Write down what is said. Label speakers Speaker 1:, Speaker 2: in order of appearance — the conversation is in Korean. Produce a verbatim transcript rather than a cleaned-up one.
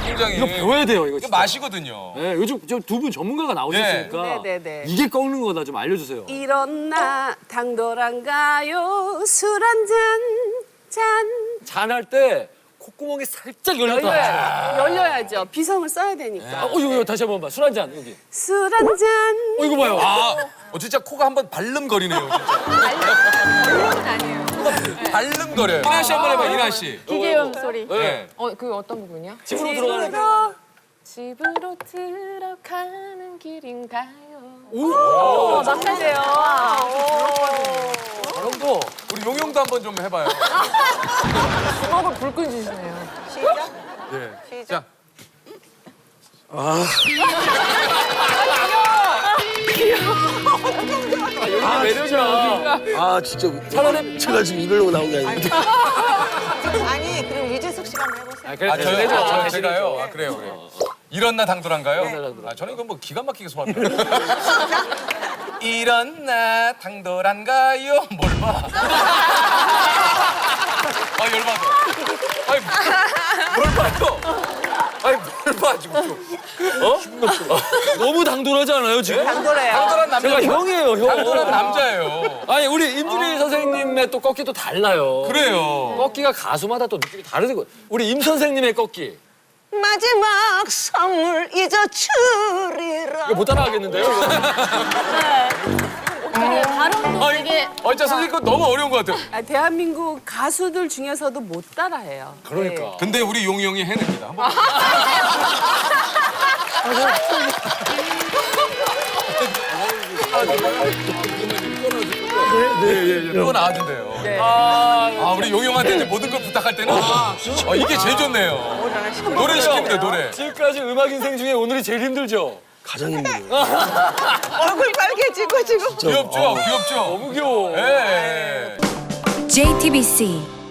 Speaker 1: 굉장히.
Speaker 2: 이거 배워야 돼요, 이거.
Speaker 1: 이거
Speaker 2: 진짜.
Speaker 1: 맛이거든요.
Speaker 2: 네, 요즘 두 분 전문가가 나오셨으니까
Speaker 3: 네, 네, 네.
Speaker 2: 이게 꺾는 거다 좀 알려주세요.
Speaker 3: 일어나 당돌한가요? 술 한 잔, 잔.
Speaker 2: 잔할 때 콧구멍이 살짝 열렸다.
Speaker 3: 열려야, 열려야죠. 비성을 써야 되니까.
Speaker 2: 아, 어, 이거, 이거 다시 한번 봐. 술 한 잔, 여기.
Speaker 3: 술 한 잔.
Speaker 2: 어, 이거 봐요.
Speaker 1: 아, 어, 진짜 코가 한번 발름거리네요. 진짜.
Speaker 4: 별로는 아니에요.
Speaker 1: 발름거려요. 이나 씨 한번 해봐, 이나 씨.
Speaker 4: 기계음 소리.
Speaker 1: 네.
Speaker 4: 어, 그 어떤 부분이야?
Speaker 2: 집으로 들어가는 거.
Speaker 4: 집으로 들어가는 길인가요?
Speaker 2: 오!
Speaker 4: 막하세요.
Speaker 2: 사람도.
Speaker 1: 우리 용용도 한번 좀 해봐요.
Speaker 4: 주먹을 불끈 쥐시네요.
Speaker 1: 네. 자,
Speaker 2: 아, 매력이야.
Speaker 5: 아 진짜
Speaker 2: 차라리
Speaker 5: 제가 지금 이러려고 나온 게 아닌데.
Speaker 6: 아니 그럼 유재석 씨가 한번 해보세요.
Speaker 2: 아, 그래,
Speaker 1: 아, 저요?
Speaker 2: 대신해줘.
Speaker 1: 아,
Speaker 2: 대신해줘.
Speaker 1: 제가요? 아, 그래요, 그래요. 일어나 당돌한가요?
Speaker 2: 당돌한.
Speaker 1: 아, 저는 이거 뭐 기가 막히게 소화합니다. 일어나 당돌한가요? 뭘 봐? 아, 열받아. 아니, 뭘 봐요? 아니, 뭘 봐, 지금. 어?
Speaker 2: 너무 당돌하지 않아요, 지금?
Speaker 3: 당돌해요.
Speaker 1: 당돌한 남자.
Speaker 2: 제가 형이에요, 형.
Speaker 1: 당돌한 남자예요.
Speaker 2: 아니, 우리 임준희 선생님의 또 꺾기도 달라요.
Speaker 1: 그래요.
Speaker 2: 꺾기가 가수마다 또 느낌이 다르고. 우리 임 선생님의 꺾기.
Speaker 6: 마지막 선물 잊어주리라.
Speaker 2: 이거 못 따라하겠는데요?
Speaker 4: 어떻게 발음도 되게
Speaker 1: 어, 진짜 선생님 그거 너무 어려운 것 같아요.
Speaker 3: 아, 대한민국 가수들 중에서도 못 따라해요.
Speaker 2: 그러니까.
Speaker 1: 근데 우리 용이 형이 해냅니다. 한번. 그거 나와준대요.
Speaker 3: 네.
Speaker 1: 아, 우리 용이 형한테 이제 모든 걸 부탁할 때는 아, 이게 제일 좋네요. 노래 시키면 돼, 노래.
Speaker 2: 지금까지 음악 인생 중에 오늘이 제일 힘들죠?
Speaker 5: 가장 힘들어요.
Speaker 6: 얼굴 빨개지고 지금.
Speaker 1: 귀엽죠? 귀엽죠?
Speaker 2: 너무 귀여워.
Speaker 1: 예.
Speaker 7: 제이티비씨